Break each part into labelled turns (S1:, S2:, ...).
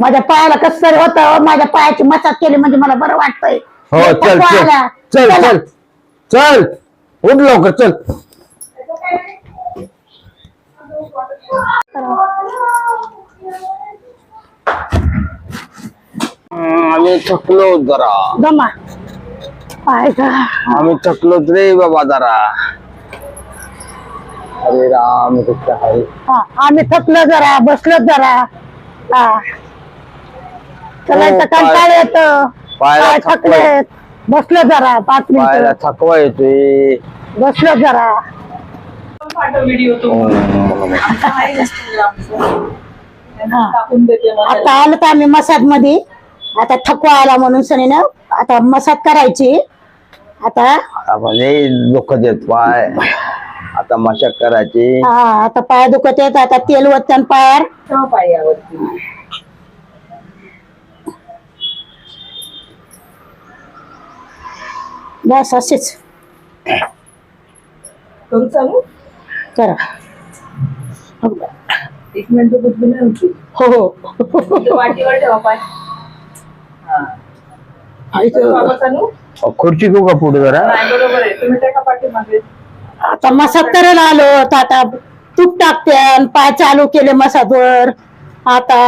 S1: माझ्या पायाला कसं तरी होतं, माझ्या पायाची मसाज केली म्हणजे मला बरं वाटतंय.
S2: हो चल चल चल चल चल उठ लवकर चल. आम्ही थकलो जरा.
S1: दमा पाय का
S2: आम्ही थकलोच रे बाबा जरा. अरे राम कृष्ण हरी.
S1: आम्ही थकलो जरा, बसलो जरा. चलायचं कंटाळा येतो, पाय थकलेत. बसलो जरा 5
S2: पायाला
S1: मिनिटं,
S2: थकवा येतोय.
S1: बसलो जरा. आता आलो तर आम्ही मसाज मध्ये. आता थकवा आला म्हणून सनीनं आता मसाज करायची. आता
S2: दुःख देत पाय. आता मशाक करायची.
S1: आता पाय दुखत येत. आता तेल वतन पायावर.
S3: पायावरती
S1: बस असेच
S3: करू चालू.
S1: करा.
S3: 1 मिनिट बुद्धी नाही होती.
S1: हो हो
S3: वाटीवर ठेवा पाय. बाबा चालू.
S2: खुर्ची घेऊ का पुढे जरा.
S3: बरोबर आहे, तुम्ही त्या पाठीमागे.
S1: आता मसाज करायला आलो तर आता तूप टाकते. पाय चालू केले मसाजवर. आता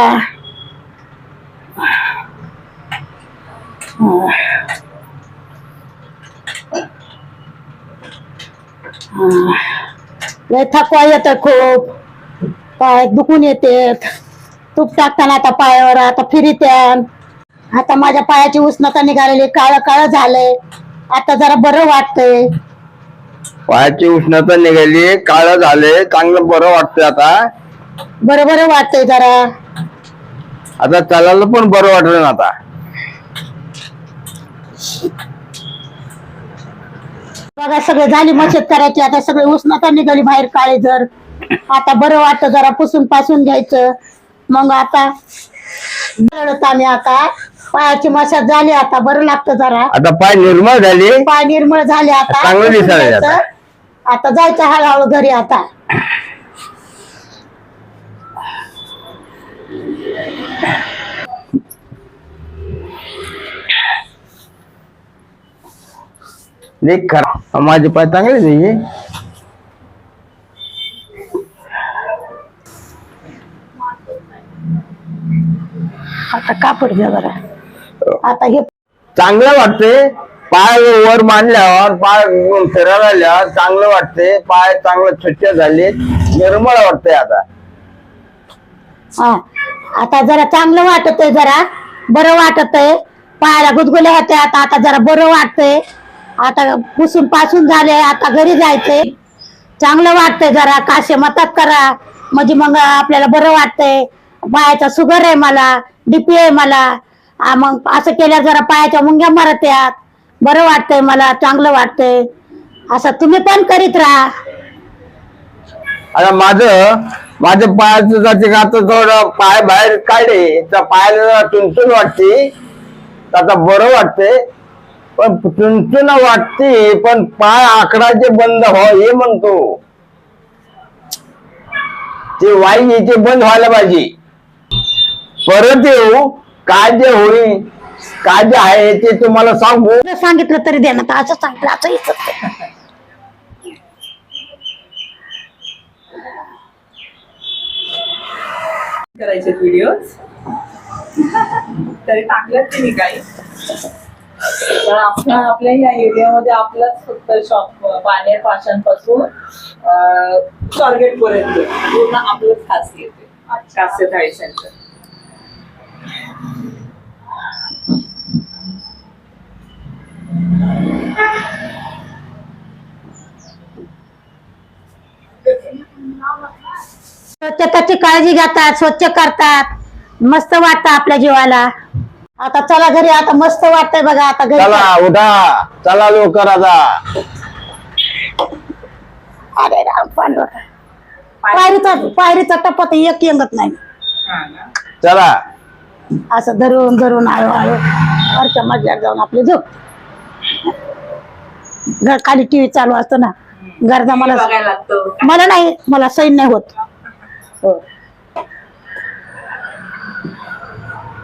S1: लय थकवा येत खूप. पाय दुखून येते. तूप टाकताना आता पायावर आता फिरित्यान. आता माझ्या पायाची उष्णता निघालेली, काळ काळ झालंय. आता जरा बरं वाटतंय.
S2: पायाची उष्णता निघाली, काळ झाले, चांगलं बरं वाटतंय आता.
S1: बरं बरं वाटतंय जरा.
S2: आता चालायला पण बरं वाटलं ना आता.
S1: बघा सगळे झाली मशद करायची. आता सगळे उष्णता निघाली बाहेर काळे जर. आता बरं वाटतं जरा पुसून पासून घ्यायचं. मग आता आम्ही आता पायाची मसाज झाली. आता बरं लागतं जरा.
S2: आता पाय निर्मळ झाले,
S1: पाय निर्मळ झाले. आता
S2: चांगलं दिसायला
S1: जायचं. आता जायचं हळूहळू घरी. आता
S2: देख खरा माझे पाय चांगले नाही.
S1: आता कापड घ्या जरा. आता हे
S2: चांगलं वाटते. पाय वर मांडल्यावर, पाय फिरायला आल्यावर चांगलं वाटते. पाय चांगलं स्वच्छ झाले, निर्मळ वाटते आता.
S1: आता जरा चांगलं वाटतंय, जरा बरं वाटतंय. पायाला गुदगुल्या होत्या. आता जरा बरं वाटतंय. आता पुसून पासून झाले. आता घरी जायचंय. चांगलं वाटतंय जरा. काशे मतात करा म्हणजे मग आपल्याला बरं वाटतंय. पायाचा शुगर आहे मला, डीपी आहे मला. मग असं केल्यावर जरा पायाच्या मुंग्या मरत्यात. बरं वाटतंय मला, चांगलं वाटतंय. असं तुम्ही पण करीत राहा.
S2: आता माझं पायाचं जाते का आता थोडं पाय बाहेर काढले तर पायाला चुनचुन वाटते. आता बरं वाटते. पण चुनचुन वाटते पण पाय आकडाचे बंद हो हे म्हणतो. ते वाई ते बंद व्हायला पाहिजे. परत येऊ काय जे होईल, काय जे आहे ते तुम्हाला सांगू.
S1: सांगितलं तरी देणार. असं सांगितलं असं इथं
S3: करायचे व्हिडिओ तरी टाकलेत ते मी काही. तर आपल्या या एरियामध्ये आपलाच फक्त शॉप पाण्यार पाशांपासून स्वारगेट पर्यंत पूर्ण आपलंच खासियत आहे. खासियत थाळी सेंटर.
S1: स्वच्छतेची काळजी घेतात, स्वच्छ करतात. मस्त वाटतं आपल्या जीवाला. आता चला घरी. आता मस्त वाटतंय बघा. आता घरी
S2: चला उठा, चला लवकर आता.
S1: अरे राम पांडुरंग. पायरीचा टप्पा तर एक येंगत नाही.
S2: चला
S1: असं धरून धरून हळूहळू वरच्या मजल्यावर जाऊन आपली झोप. घर खाली टीव्ही चालू असतो ना. गरजा मला नाही, मला सैन नाही होत.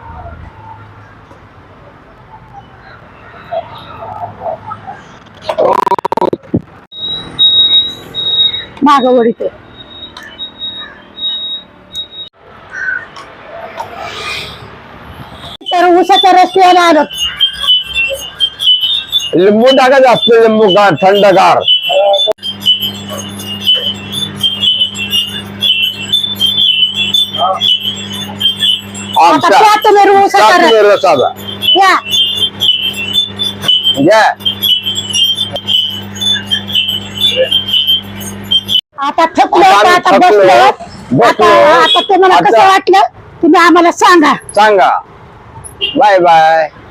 S1: माग वडीते तर उसाच्या रस्त्याला आलो.
S2: लिंबू टाका जास्त, लिंबू का थंडगार.
S1: आता त्या तुम्ही उसाचा रस
S2: रसाचा
S1: या.
S2: घ्या.
S1: आता थकलो
S2: आता आम्ही
S1: आता
S2: थकलो.
S1: बसलो. आता तुम्हाला कसं
S2: आता-
S1: वाटलं तुम्ही आम्हाला सांगा.
S2: सांगा. Bye bye.